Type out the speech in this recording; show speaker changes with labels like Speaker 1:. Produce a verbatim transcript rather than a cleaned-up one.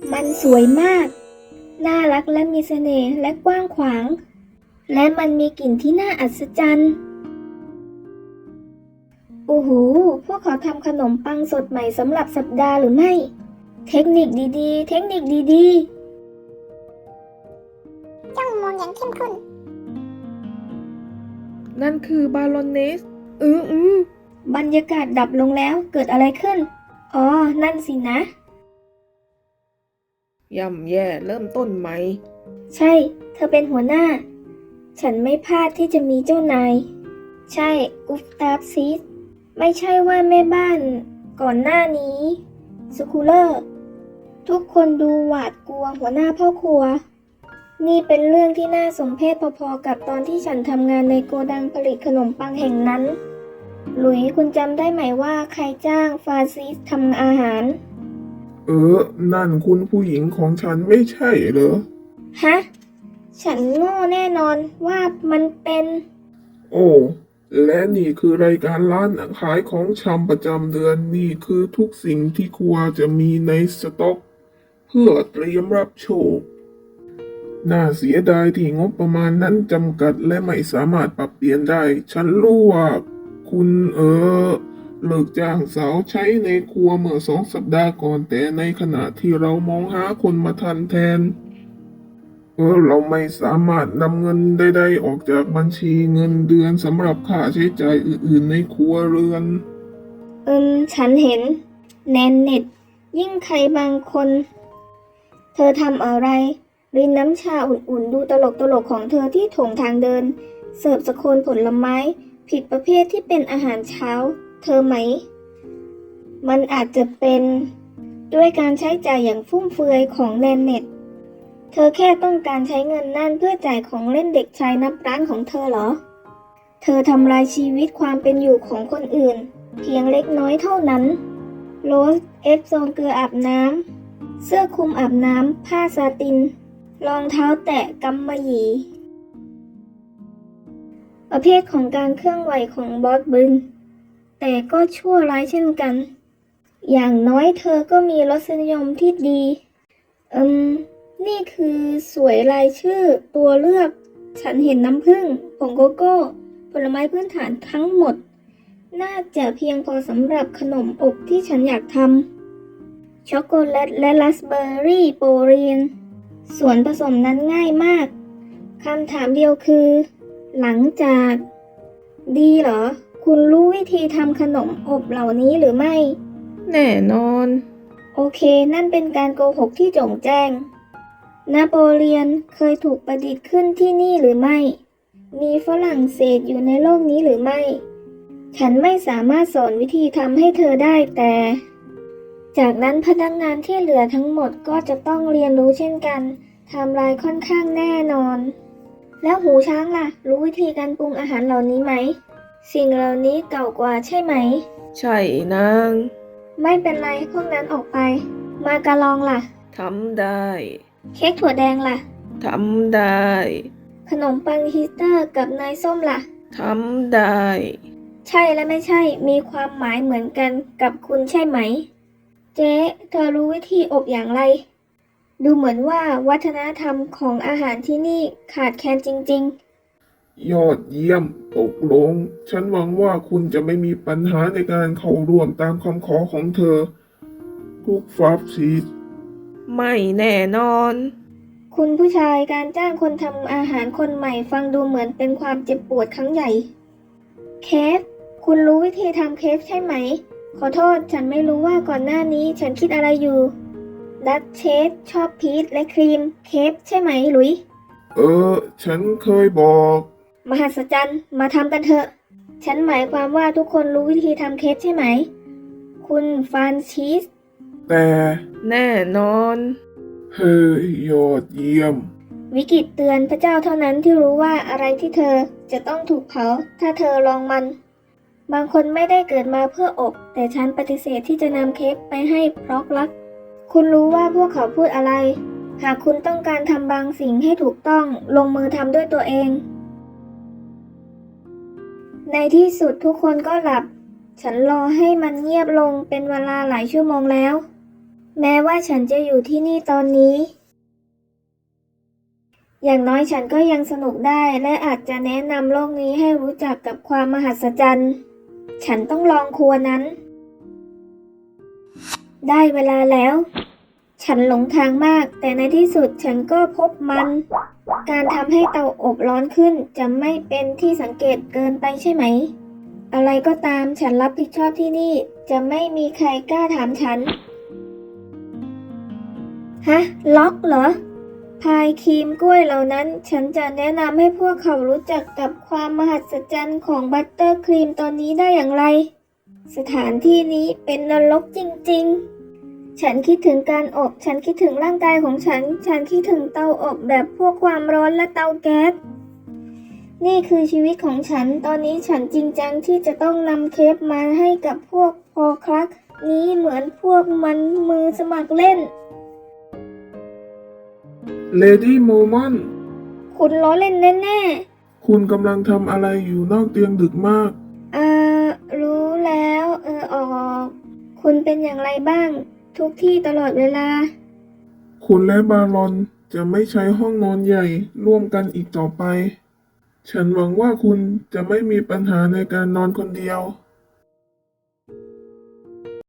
Speaker 1: มันสวยมากน่ารักและมีเสน่ห์และกว้างขวางและมันมีกลิ่นที่น่าอัศจรรย์โอ้โหพวกเขาทำขนมปังสดใหม่สำหรับสัปดาห์หรือไม่เทคนิคดีๆเทคนิคดี
Speaker 2: จ้องมองอย่างเข้มข้น
Speaker 3: นั่นคือบาโรเนสอืออือบ
Speaker 1: รรยากาศดับลงแล้วเกิดอะไรขึ้นอ๋อนั่นสินะ
Speaker 3: ย่ำแย่เริ่มต้นใหม่
Speaker 1: ใช่เธอเป็นหัวหน้าฉันไม่พลาดที่จะมีเจ้านายใช่กุสตาฟซีสไม่ใช่ว่าแม่บ้านก่อนหน้านี้สคูเลอร์ทุกคนดูหวาดกลัวหัวหน้าพ่อครัวนี่เป็นเรื่องที่น่าสมเพชพอๆกับตอนที่ฉันทำงานในโกดังผลิตขนมปังแห่งนั้นหลุยคุณจำได้ไหมว่าใครจ้างฟาซิสทำอาหาร
Speaker 4: เออนั่นคุณผู้หญิงของฉันไม่ใช่เหรอ
Speaker 1: ฮะฉันโง่แน่นอนว่ามันเป็น
Speaker 4: โอ้และนี่คือรายการร้านขายของชำประจำเดือนนี่คือทุกสิ่งที่ครัวจะมีในสต็อกเพื่อเตรียมรับโชคน่าเสียดายที่งบประมาณนั้นจำกัดและไม่สามารถปรับเปลี่ยนได้ ฉันรู้ว่าคุณเออเลิกจ้างสาวใช้ในครัวเมื่อสองสัปดาห์ก่อนแต่ในขณะที่เรามองหาคนมาทันแทนเออเราไม่สามารถนำเงินใดๆออกจากบัญชีเงินเดือนสำหรับค่าใช้จ่ายอื่นๆในครัวเรือน
Speaker 1: อืมฉันเห็นแนนเน็ตยิ่งใครบางคนเธอทำอะไรรินน้ำชาอุ่นๆดูตลกตลกของเธอที่โถงทางเดินเสิร์ฟสโคนผลไม้ผิดประเภทที่เป็นอาหารเช้าเธอไหมมันอาจจะเป็นด้วยการใช้จ่ายอย่างฟุ่มเฟือยของแนนเน็ตเธอแค่ต้องการใช้เงินนั่นเพื่อจ่ายของเล่นเด็กชายนับร้านของเธอเหรอเธอทำลายชีวิตความเป็นอยู่ของคนอื่นเพียงเล็กน้อยเท่านั้นโรสเอฟซองเกลืออาบน้ำเสื้อคลุมอาบน้ำผ้าซาตินรองเท้าแตะกำมะหยี่ประเภทของการเคลื่อนไหวของบอสบึนแต่ก็ชั่วร้ายเช่นกันอย่างน้อยเธอก็มีรสนิยมที่ดีอืมนี่คือสวยรายชื่อตัวเลือกฉันเห็นน้ำผึ้งผงโกโก้ผลไม้พื้นฐานทั้งหมดน่าจะเพียงพอสำหรับขนมอบที่ฉันอยากทำช็อกโกแลตและราสเบอร์รี่โปรลีนส่วนผสมนั้นง่ายมากคำถามเดียวคือหลังจากดีเหรอคุณรู้วิธีทำขนมอบเหล่านี้หรือไม่
Speaker 3: แน่นอน
Speaker 1: โอเคนั่นเป็นการโกหกที่โจ่งแจ้งนโปเลียนเคยถูกประดิษฐ์ขึ้นที่นี่หรือไม่มีฝรั่งเศสอยู่ในโลกนี้หรือไม่ฉันไม่สามารถสอนวิธีทำให้เธอได้แต่จากนั้นพนักงานที่เหลือทั้งหมดก็จะต้องเรียนรู้เช่นกันไทม์ไลน์ค่อนข้างแน่นอนแล้วหูช้างล่ะรู้วิธีการปรุงอาหารเหล่านี้ไหมสิ่งเหล่านี้เก่ากว่าใช่ไหม
Speaker 3: ใช่นาง
Speaker 1: ไม่เป็นไรพวกนั้นออกไปมากะลองล่ะ
Speaker 3: ทำได้
Speaker 1: เค้กถั่วแดงล่ะ
Speaker 3: ทำได้
Speaker 1: ขนมปังฮิสเตอร์กับเนยส้มล่ะ
Speaker 3: ทำได้
Speaker 1: ใช่และไม่ใช่มีความหมายเหมือนกันกับคุณใช่ไหมเจ๊เธอรู้วิธีอบอย่างไรดูเหมือนว่าวัฒนธรรมของอาหารที่นี่ขาดแคลนจริง
Speaker 4: ๆยอดเยี่ยมตกลงฉันหวังว่าคุณจะไม่มีปัญหาในการเข้าร่วมตามคำขอของเธอทุกฟาบซีส
Speaker 3: ไม่แน่นอน
Speaker 1: คุณผู้ชายการจ้างคนทำอาหารคนใหม่ฟังดูเหมือนเป็นความเจ็บปวดครั้งใหญ่เคฟคุณรู้วิธีทำเคฟใช่ไหมขอโทษฉันไม่รู้ว่าก่อนหน้านี้ฉันคิดอะไรอยู่ดัชเชสชอบพีชและครีมเคฟใช่ไหมหลุย
Speaker 4: เออฉันเคยบอก
Speaker 1: มหัศจรรย์มาทำกันเถอะฉันหมายความว่าทุกคนรู้วิธีทำเคฟใช่ไหมคุณฟรานซิส
Speaker 4: แต่
Speaker 3: แน่นอน
Speaker 4: เฮ้ยยอดเยี่ยม
Speaker 1: วิกฤตเตือนพระเจ้าเท่านั้นที่รู้ว่าอะไรที่เธอจะต้องถูกเผาถ้าเธอลองมันบางคนไม่ได้เกิดมาเพื่ออบแต่ฉันปฏิเสธที่จะนำเค้กไปให้เพราะรักคุณรู้ว่าพวกเขาพูดอะไรหากคุณต้องการทำบางสิ่งให้ถูกต้องลงมือทำด้วยตัวเองในที่สุดทุกคนก็หลับฉันรอให้มันเงียบลงเป็นเวลาหลายชั่วโมงแล้วแม้ว่าฉันจะอยู่ที่นี่ตอนนี้ อย่างน้อยฉันก็ยังสนุกได้และอาจจะแนะนำโลกนี้ให้รู้จักกับความมหัศจรรย์ ฉันต้องลองครัวนั้น ได้เวลาแล้ว ฉันหลงทางมาก แต่ในที่สุดฉันก็พบมัน การทำให้เตาอบร้อนขึ้นจะไม่เป็นที่สังเกตเกินไปใช่ไหม อะไรก็ตามฉันรับผิดชอบที่นี่ จะไม่มีใครกล้าถามฉัน ฮะ ล็อกเหรอ พายครีมกล้วยเหล่านั้น ฉันจะแนะนำให้พวกเขารู้จักกับความมหัศจรรย์ของบัตเตอร์ครีมตอนนี้ได้อย่างไร สถานที่นี้เป็นนรกจริงๆ ฉันคิดถึงการอบ ฉันคิดถึงร่างกายของฉัน ฉันคิดถึงเตาอบแบบพวกความร้อนและเตาแก๊ส นี่คือชีวิตของฉัน ตอนนี้ฉันจริงจังที่จะต้องนำเคปมาให้กับพวกพอคลักนี้เหมือนพวกมันมือสมัครเล่น
Speaker 4: เลดี้โมมอน
Speaker 1: คุณล้อเล่นแน่
Speaker 4: คุณกำลังทำอะไรอยู่นอกเตียงดึกมาก
Speaker 1: ๆอ่า รู้แล้ว เออออก คุณเป็นอย่างไรบ้าง ทุกที่ตลอดเวลา
Speaker 4: คุณและบารอนจะไม่ใช้ห้องนอนใหญ่ร่วมกันอีกต่อไป ฉันหวังว่าคุณจะไม่มีปัญหาในการนอนคนเดียว